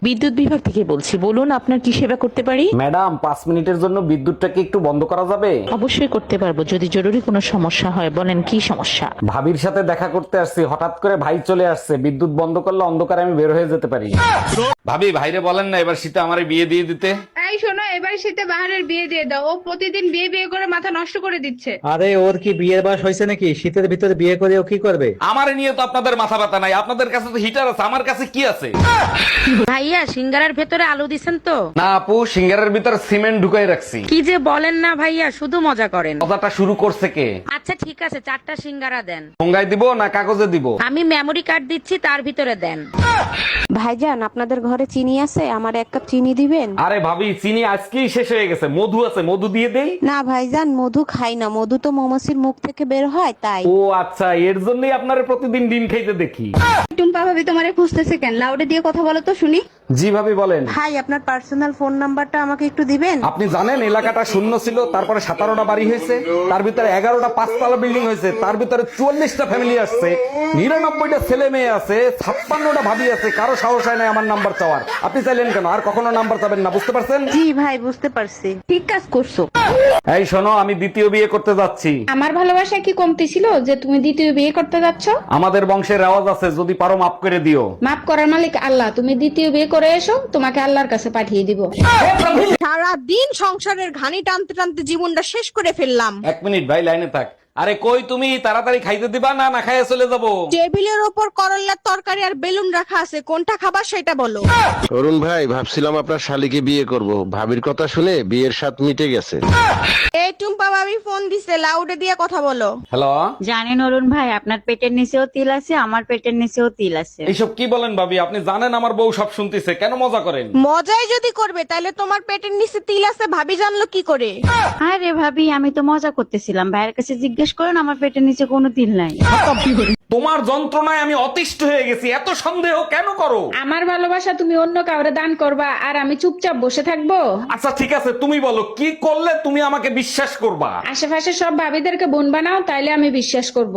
বিদ্যুৎ বিভাগ থেকে বলছি, বলুন আপনার কি সেবা করতে পারি। ম্যাডাম 5 মিনিটের জন্য বিদ্যুৎটাকে একটু বন্ধ করা যাবে? অবশ্যই করতে পারবো, যদি জরুরি কোনো সমস্যা হয়। বলেন কি সমস্যা। ভাবির সাথে দেখা করতে আসছি, হঠাৎ করে ভাই চলে আসছে। বিদ্যুৎ বন্ধ করলে অন্ধকারে আমি বের হয়ে যেতে পারি। ভাবি, ভাইরে বলেন না এবার শীতে আমারে বিয়ে দিয়ে দিতে। এই শোনো, এবার শীতে বাহারের বিয়ে দিয়ে দাও। ও প্রতিদিন বিয়ে বিয়ে করে মাথা নষ্ট করে দিচ্ছে। আরে ওর কি বিয়ের বয়স হয়েছে নাকি? শীতের ভিতরে বিয়ে করে ও কি করবে? আমারে নিয়ে তো আপনাদের মাথা ব্যথা নাই, আপনাদের কাছে তো হিটার আছে, আমার কাছে কি আছে? ভাইয়া সিঙ্গারার ভেতরে আলু দিছেন তো? না আপু, সিঙ্গারের ভিতর সিমেন্ট ঢুকাই রাখছি। কি যে বলেন না ভাইয়া, শুধু মজা করেন। কথাটা শুরু করছে কে? আচ্ছা ঠিক আছে, 4টা সিঙ্গারা দেন। ঠোঙ্গায় দিব না কাগজে দিব? আমি মেমরি কার্ড দিচ্ছি, তার ভিতরে দেন। ভাইজান, আপনাদের ঘরে চিনি আছে? আমার 1 কাপ চিনি দিবেন? আরে ভাবি, চিনি আজকেই শেষ হয়ে গেছে। মধু আছে, মধু দিয়ে দেই? না ভাইজান, মধু খাই না। মধু তো মৌমাছির মুখ থেকে বের হয়, তাই। ও আচ্ছা, এর জন্যই আপনারে প্রতিদিন ডিম খাইতে দেখি। টুম্পা ভাবি তোমারে খুঁজতেছে কেন? লাউডে দিয়ে কথা বলো তো শুনি। জি ভাবি বলেন। ভাই, আপনার পার্সোনাল ফোন নাম্বারটা আমাকে একটু দিবেন? আপনি জানেন এলাকাটা শূন্য ছিল, তারপরে 17টা বাড়ি হয়েছে, তার ভিতরে 11টা 5তলা বিল্ডিং হয়েছে, তার ভিতরে 44টা ফ্যামিলি আসছে, 99টা ছেলে মেয়ে আছে, 56টা ভাবি আছে। কারো সাহস হয় না আমার নাম্বার চাওয়ার। আপনি চাইলেন কেন? আর কখনো নাম্বার চাবেন না, বুঝতে পারছেন? জি ভাই, বুঝতে পারছি। ঠিক কাজ করছো। এই শোনো, আমি দ্বিতীয় বিয়ে করতে যাচ্ছি। আমার ভালোবাসা কি কমতি ছিল যে তুমি দ্বিতীয় বিয়ে করতে যাচ্ছ? আমাদের বংশের রেওয়াজ আছে, যদি পারো মাফ করে দিও। মাফ করার মালিক আল্লাহ। তুমি দ্বিতীয় বিয়ে করে এসো, তোমাকে আল্লাহর কাছে পাঠিয়ে দিব। সারা দিন সংসারের ঘানি টানতে টানতে জীবনটা শেষ করে ফেললাম। 1 মিনিট ভাই, লাইনে থাক। আরে কই তুমি? তাড়াতাড়ি খাইতে দিবা না না খাইয়ে চলে যাবো? টেবিলের ওপর করল্লার তরকারি আর বেলুন রাখা আছে, কোনটা খাবার সেটা বলো। অরুণ ভাই, ভাবছিলাম আপনার শালিকে বিয়ে করব, ভাবির কথা শুনে বিয়ের স্বাদ মিটে গেছে। এই টুম্পা ভাবি ফোন দিছে, লাউডে দিয়ে কথা বলো। হ্যালো, জানেন অরুণ ভাই, আপনার পেটের নিচেও তিল আছে, আমার পেটের নিচেও তিল আছে। এইসব কি বলেন ভাবি? আপনি জানেন আমার বউ সব শুনতেছে, কেন মজা করেন? মজাই যদি করবে তাহলে তোমার পেটের নিচে তিল আছে ভাবি জানলো কি করে? আরে ভাবি, আমি তো মজা করতেছিলাম। ভাইয়ের কাছে জিজ্ঞেস করেন, আমার পেটের নিচে কোনো তিল নাই। তোমার যন্ত্রণায় আমি অতিষ্ঠ হয়ে গেছি, এত সন্দেহ কেন করো? আমার ভালোবাসা তুমি অন্য কাউরে দান করবা আর আমি চুপচাপ বসে থাকবো? আচ্ছা ঠিক আছে, তুমি বলো কি করলে তুমি আমাকে বিশ্বাস করবা? আশেপাশে সব ভাবিদেরকে বোন বানাও, তাইলে আমি বিশ্বাস করব।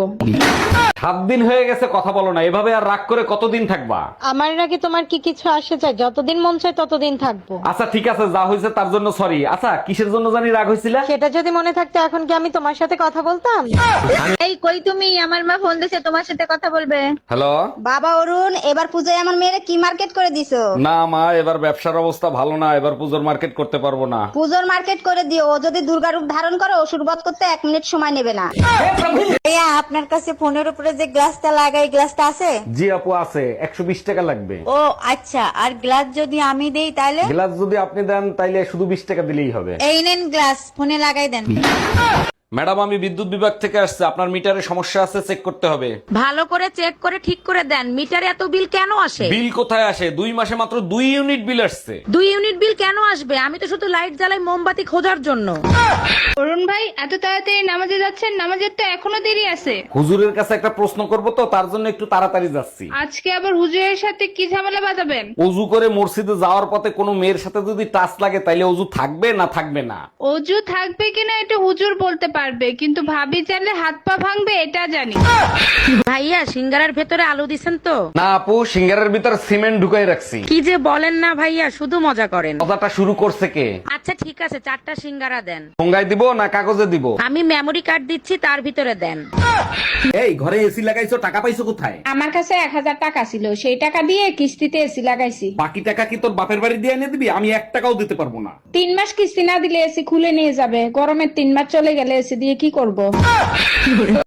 7 দিন হয়ে গেছে কথা বলো না, এভাবে আর রাগ করে কতদিন থাকবা? আমার নাকি তোমার কি কিছু আসে চাই? যতদিন মন চায় ততদিন থাকবো। আচ্ছা ঠিক আছে, যা হয়েছে তার জন্য সরি। আচ্ছা কিসের জন্য জানি রাগ হয়েছিল? সেটা যদি মনে থাকতো এখন কি আমি তোমার সাথে কথা বলতাম? এই কই তুমি? আমার মা ফোন দিছে, তোমার সাথে কথা বলবে। হ্যালো। বাবা অরুণ, এবার পূজায় আমার মেয়েরে কি মার্কেট করে দিছো? না মা, এবার ব্যবসার অবস্থা ভালো না, এবার পুজোর মার্কেট করতে পারবো না। পুজোর মার্কেট করে দিও। ও যদি দুর্গা রূপ ধারণ করে অসুর বধ করতে 1 মিনিট সময় নেবে না। ভাইয়া, আপনার কাছে ফোনের উপরে যে গ্লাসটা লাগাই, গ্লাসটা আছে? জি আপু আছে, 120 টাকা লাগবে। ও আচ্ছা, আর গ্লাস যদি আমি দেই তাহলে? গ্লাস যদি আপনি দেন তাইলে শুধু 20 টাকা দিলেই হবে। এই নেন গ্লাস, ফোনে লাগাই দেন। ম্যাডাম, আমি বিদ্যুৎ বিভাগ থেকে আসছে, আপনার মিটারে সমস্যা আছে, চেক করতে হবে। ভালো করে চেক করে ঠিক করে দেন। মিটারে এত বিল কেন আসে? বিল কোথায় আসে? 2 মাসে মাত্র 2 ইউনিট বিল আসছে। 2 ইউনিট বিল কেন আসবে? আমি তো শুধু লাইট জ্বালাই মোমবাতি খোঁজার জন্য। অরুণ ভাই, এত তাড়াতাড়ি নামাজে যাচ্ছেন? নামাজের তো এখনো দেরি আছে। হুজুরের কাছে একটা প্রশ্ন করব তো, তার জন্য একটু তাড়াতাড়ি যাচ্ছি। আজকে আবার হুজুরের সাথে কি ঝামেলা বাঁধাবেন? অজু করে মসজিদে যাওয়ার পথে কোনো মেয়ের সাথে যদি টাচ লাগে তাইলে অজু থাকবে না থাকবে না? অজু থাকবে কিনা এটা হুজুর বলতে পারবে, কিন্তু ভাবি জানলে হাত পা ভাঙবে এটা জানি। ভাইয়া সিঙ্গারার ভেতরে আলু দিছেন তো? না আপু, সিঙ্গারের ভিতর সিমেন্ট ঢুকাই রাখছি। কি যে বলেন না ভাইয়া, শুধু মজা করেন। কথাটা শুরু করছে কে? আচ্ছা ঠিক আছে, 4টা সিঙ্গারা দেন। ঠোঙ্গায় দিব না কাগজে দিব? আমি মেমরি কার্ড দিচ্ছি, তার ভিতরে দেন। এই ঘরে এসি লাগাইছো, টাকা পাইছো কোথায়? আমার কাছে 1000 টাকা ছিল, সেই টাকা দিয়ে কিস্তিতে এসি লাগাইছি। বাকি টাকা কি তোর বাপের বাড়ি দিয়ে এনে দিবি? আমি 1 টাকাও দিতে পারবো না। 3 মাস কিস্তি না দিলে এসি খুলে নিয়ে যাবে। গরমের 3 মাস চলে গেলে এসি দিয়ে কি করব?